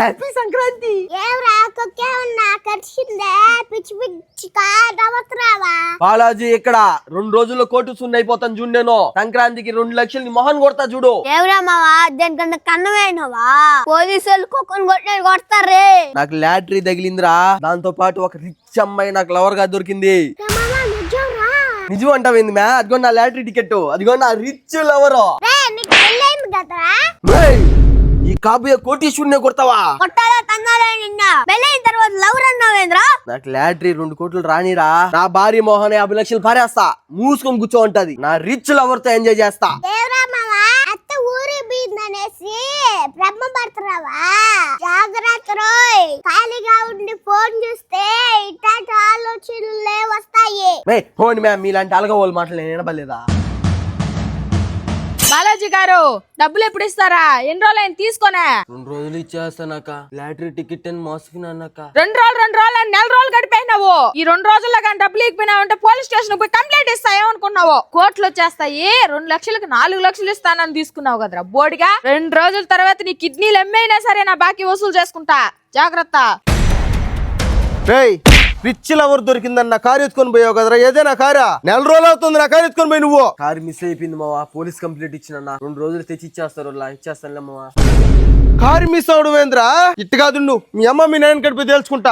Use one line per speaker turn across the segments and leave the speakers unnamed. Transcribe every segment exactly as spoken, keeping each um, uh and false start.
Happy Sankranti.
ఏవరా కొక్కే ఉన్నా కర్చిందే పిచ్చి పిచ్చి కాదవత్రావా
బాలాజీ ఇక్కడ రెండు రోజుల్లో కోటు సున్న అయిపోతాను చూడు. నేను సంక్రాంతికి రెండు లక్షలు నీ మొహన్ కొడతా చూడు.
ఎవరా మావా దేనికన్నా కన్నమైనవా పోలీసులు కుక్కను కొట్టినట్టు కొడతారే.
నాకు లాటరీ తగిలిందిరా. దాంతో పాటు ఒక రిచ్ అమ్మాయి నాకు లవర్ గా దొరికింది. నిజం అంటావేంది మ్యా? అదిగో నా లాటరీ టికెట్, అదిగో నా రిచ్ లవర్. ఈ కాబోయే కోటీశ్వరునే కొడతావా?
కొట్టాలా తన్నాలా నిన్న పెళ్ళైన తర్వాత లవర్ అన్నావేంద్రా?
నాకు లాటరీ రెండు కోట్లు రానిరా. నా భార్య మోహన్ యాభై లక్షలు పారేస్తా. మూసుకొని కూర్చో ఉంటది. నా రిచ్ లవర్ తో ఎంజాయ్ చేస్తా.
అత్త ఊరి బీదనేసి బ్రహ్మ పడుతున్నావా? జాగ్రత్త రోయ్. ఖాళీగా ఉండి ఫోన్ చూస్తే ఇట్లాంటి ఆలోచనలే వస్తాయి.
ఫోన్ మ్యామ్ మీలాంటి అలగ వాళ్ళు మాటలు నేను వినబడలేదా?
బాలాజీ గారు డబ్బులు ఎప్పుడు ఇస్తారా? ఎన్ని రోజులు ఆయన తీసుకొనే?
రెండు రోజులు ఇచ్చేస్తానక్క. లాటరీ టికెట్ అని మోసపోయినానక్క.
రెండు రోజులు రెండు రోజులు అని నెల రోజులు గడిపోయినావు. ఈ రెండు రోజుల్లో కానీ డబ్బులు ఇచ్చిపోయినావంటే పోలీస్ స్టేషన్ పోయి కంప్లైంట్ ఇస్తా. ఏమనుకున్నావు? కోట్లు వచ్చేస్తాయి. రెండు లక్షలకు నాలుగు లక్షలు ఇస్తానని తీసుకున్నావు కదరా బోడిగా. రెండు రోజుల తర్వాత నీ కిడ్నీలు ఎమ్మైనా సరే నా బాకీ వసూలు చేసుకుంటా. జాగ్రత్త.
రిచ్ లవర్ దొరికిందన్న కారు ఎత్తుకొని పోయావు కదరా. ఏదైనా కారా? నెల రోజులు అవుతుంది నా కారు ఎత్తుకొని పోయి నువ్వు. కారు మిస్ అయిపోయింది మావా. పోలీస్ కంప్లైంట్ ఇచ్చిన రెండు రోజులు తెచ్చి ఇచ్చేస్తారు. ఇచ్చేస్తానులే మావా. కారు మిస్ అవడం ఏంద్రా? ఇట్టు కాదు నువ్వు మీ అమ్మ మీ నాయన కడిపోయి తెలుసుకుంటా.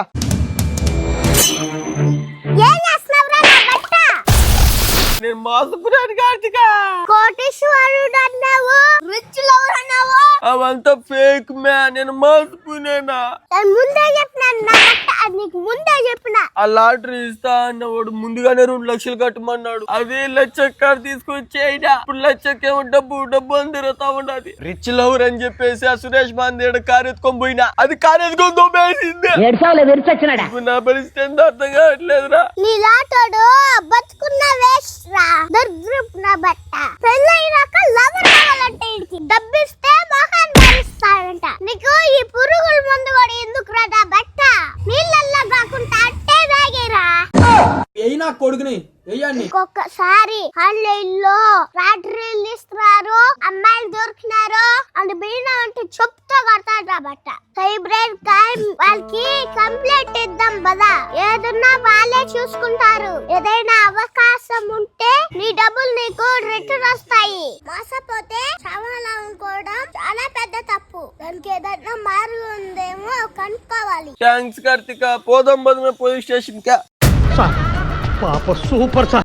నేను మోసపోయాను కార్తిక.
కోటీశ్వరుడు అన్నావు, రిచ్ లవర్ అన్నావు.
అవంతా ఫేక్ మ్యా. నేను మోసపోయినా.
ముందే చెప్పినా నీకు ముందే చెప్పిన.
ఆ లాటరీ ఇస్తా అన్నవాడు ముందుగానే రెండు లక్షలు కట్టమన్నాడు. అదే లక్ష కారు తీసుకొచ్చి అయినా ఇప్పుడు లక్షకేమో డబ్బు డబ్బు అని తిరుగుతా ఉన్నది. రిచ్ లవర్ అని చెప్పేసి ఆ సురేష్ బాందేడు కారు ఎత్తుకొని పోయినా అది కారు ఎత్తుకొని దొబ్బేసింది. నా పరిస్థితి ఎంత అర్థం కావట్లేదురా.
నీలాటోడు బతుకున్న వేస్ట్ రా. దరిద్రపు నా బట్ట. పెళ్ళైనాక లవర్ కావాలంటే డబ్బిస్తే మొహాన్ భరిస్తాడంట. నీకు ఈ పురుగుల మందు కూడా ఎందుకు రా బట్ట? నీళ్ళల్లో కాకుండా అట్టే తాగేరా.
అయినా కొడుకుని
ఒక్కొక్కసారి ఆన్లైన్ లో లాటరీలు ఇస్తున్నారు, అమ్మాయిలు దొరికినారు అని బిన్నా అంటే చెప్తా కొడతాడు బట్ట. సైబర్ క్రైమ్ వాళ్ళకి కంప్లైంట్ ఇద్దాం పదా. ఏదన్నా వాళ్ళే చూసుకుంటారు. ఏదైనా అవకాశం ఉంటే నీ డబ్బులు నీకు రిటర్న్ వస్తాయి. మోసపోతే సమాధానం అనుకోవడం చాలా పెద్ద తప్పు. దానికి ఏదైనా మార్గం ఉందేమో కనుక్కోవాలి.
థ్యాంక్స్ కార్తిక. పోదాం పోలీస్ స్టేషన్ కా.
పాప సూపర్ సార్.